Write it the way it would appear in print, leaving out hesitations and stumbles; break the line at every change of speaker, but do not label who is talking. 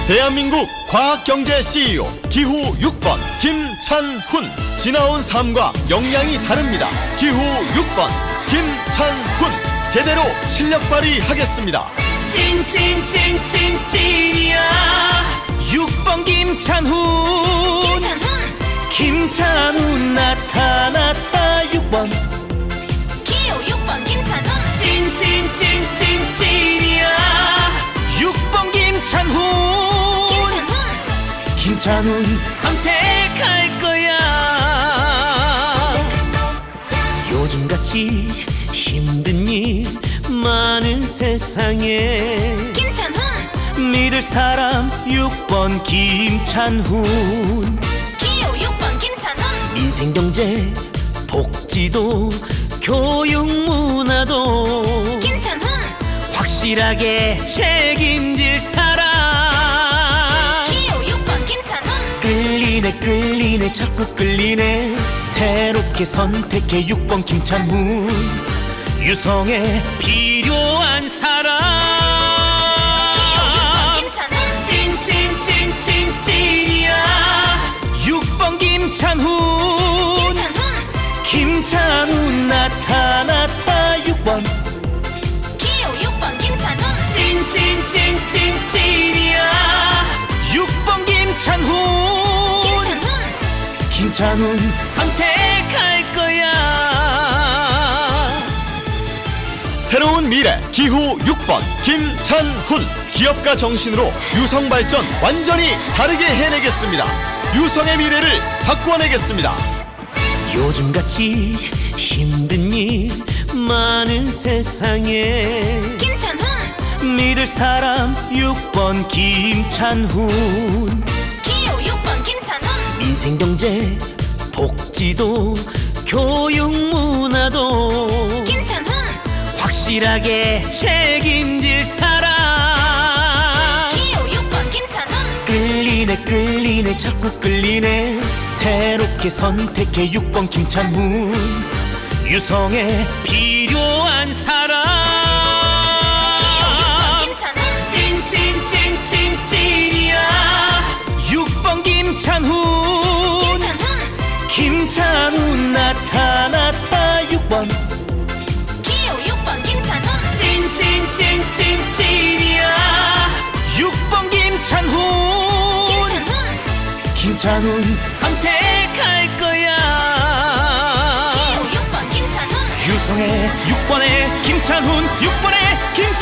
대한민국 과학경제 CEO 기후 6번 김찬훈. 지나온 삶과 역량이 다릅니다. 기후 6번 김찬훈. 제대로 실력 발휘하겠습니다.
찐이야 6번 김찬훈. 김찬훈 나타났다 6번.
기호 6번 김찬훈.
찐이야 6번 김찬훈. 김찬훈 선택할 거야. 요즘같이 힘든 일 많은 세상에
김찬훈.
믿을 사람 6번 김찬훈.
기호 6번 김찬훈.
인생 경제 복지도 교육 문화도
김찬훈.
확실하게 책임질 사람.
기호 6번 김찬훈.
끌리네 자꾸 끌리네. 새롭게 선택해 6번 김찬훈. 유성에 필요한 사람.
기호 6번 김찬훈.
찐이야 6번 김찬훈. 김찬훈 나타났다 6번.
기호 6번 김찬훈.
찐이야 6번 김찬훈. 김찬훈 선택할 거야.
새로운 미래 기후 6번 김찬훈. 기업가 정신으로 유성 발전 완전히 다르게 해내겠습니다. 유성의 미래를 바꿔내겠습니다.
요즘같이 힘든 일 많은 세상에
김찬훈.
믿을 사람 6번 김찬훈.
기호 6번 김찬훈.
인생 경제 복지도 교육 문화도
김찬훈.
확실하게 책임질 사람.
기호 6번 김찬훈.
끌리네 자꾸 끌리네. 새롭게 선택해 6번 김찬훈. 유성에 필요한 사람.
기호 6번 김찬훈.
찐이야 6번 김찬훈. 김찬훈 나타났다 6번.
기호 6번 김찬훈.
찐이야 6번 김찬훈. 김찬훈 선택할 거야.
기호 6번 김찬훈.
유성의 6번에 김찬훈. 6번에 김찬훈.